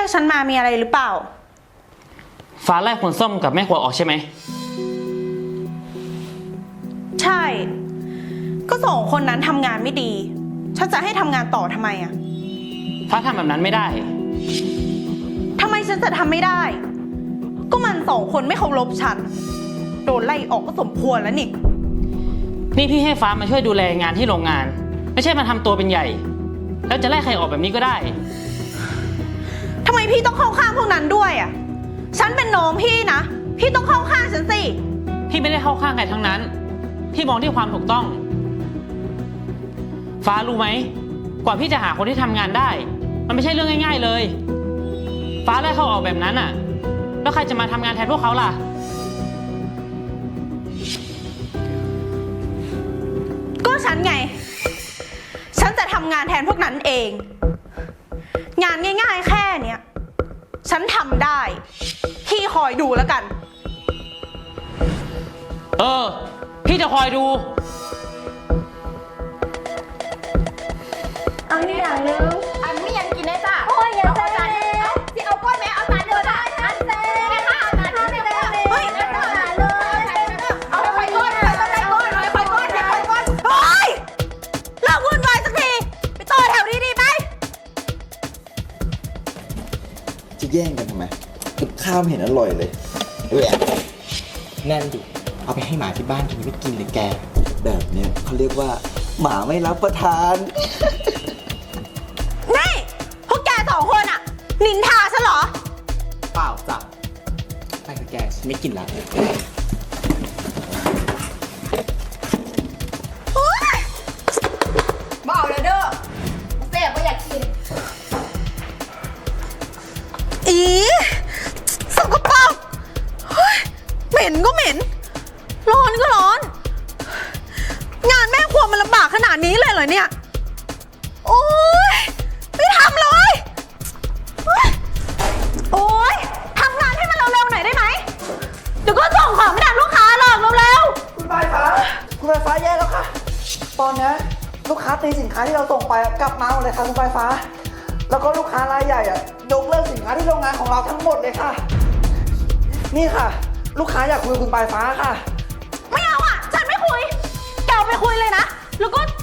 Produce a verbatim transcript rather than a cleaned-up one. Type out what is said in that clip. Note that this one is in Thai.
กฉันมามีอะไรหรือเปล่าฟ้าไล่คนส้มกับแม่ครัวออกใช่ไหมใช่ก็สองคนนั้นทำงานไม่ดีฉันจะให้ทำงานต่อทำไมอะฟ้าทำแบบนั้นไม่ได้ทำไมฉันจะทำไม่ได้ก็มันสองคนไม่เคารพฉันโดนไล่ออกก็สมควรแล้วนี่นี่พี่ให้ฟ้ามาช่วยดูแลงานที่โรงงานไม่ใช่มาทำตัวเป็นใหญ่แล้วจะไล่ใครออกแบบนี้ก็ได้ทำไมพี่ต้องเข้าข้างพวกนั้นด้วยอ่ะฉันเป็นน้องพี่นะพี่ต้องเข้าข้างฉันสิพี่ไม่ได้เข้าข้างใครทั้งนั้นพี่มองที่ความถูกต้องฟ้ารู้ไหมกว่าพี่จะหาคนที่ทำงานได้มันไม่ใช่เรื่องง่ายๆเลยฟ้าไล่เขาออกแบบนั้นอ่ะแล้วใครจะมาทำงานแทนพวกเขาล่ะก็ฉันไงฉันจะทำงานแทนพวกนั้นเองงานง่ายๆแค่เนี้ยฉันทำได้พี่คอยดูแล้วกันเออพี่จะคอยดูอันนี้อย่างนึงอันไม่ยังกินได้จ้ะโอ้ยยังเซ่เอาสิเอาก้อนไหมเอาจานเดียวได้อันเซ่ไม่ค่ะเอาจานเดียวได้เฮ้ยเอาจานเลยเอาไปก้อนไปก้อนไปก้อนไปก้อนไปก้อนเฮ้ยเลิกวุ่นวายสักทีไปต่อแถวนี้ดีไหมจะแย่งกันทำไมกับข้าวไม่เห็นอร่อยเลยแหวะนั่นดิเอาไปให้หมาที่บ้านกินไม่กินเลยแกแบบเนี้ยเขาเรียกว่าหมาไม่รับประทานนี่พวกแกสองคนอะนินทาฉันเหรอเปล่าจ้ะไปกับแกฉันไม่กินแล้วมาเอาเลยเด้อเซ่ไม่อยากกินอีสกปรกเหม็นก็เหม็นร้อนก็ร้อนงานแม่ครัวมันลำบากขนาดนี้เลยเหรอเนี่ยโอ๊ยไม่ทำเลยโอ๊ยทำงานให้มันเร็วๆหน่อยได้ไหมเดี๋ยวก็ส่งของไม่ทันลูกค้าหรอกเร็วๆคุณปลายฟ้าคุณปลายฟ้าแย่แล้วค่ะตอนนี้ลูกค้าตีสินค้าที่เราส่งไปกลับมาหมดเลยค่ะคุณปลายฟ้าแล้วก็ลูกค้ารายใหญ่อะยกเลิกสินค้าที่โรงงานของเราทั้งหมดเลยค่ะนี่ค่ะลูกค้าอยากคุยกับคุณปลายฟ้าค่ะไม่เอาอ่ะฉันไม่คุยแกเอาไปคุยเลยนะแล้วก็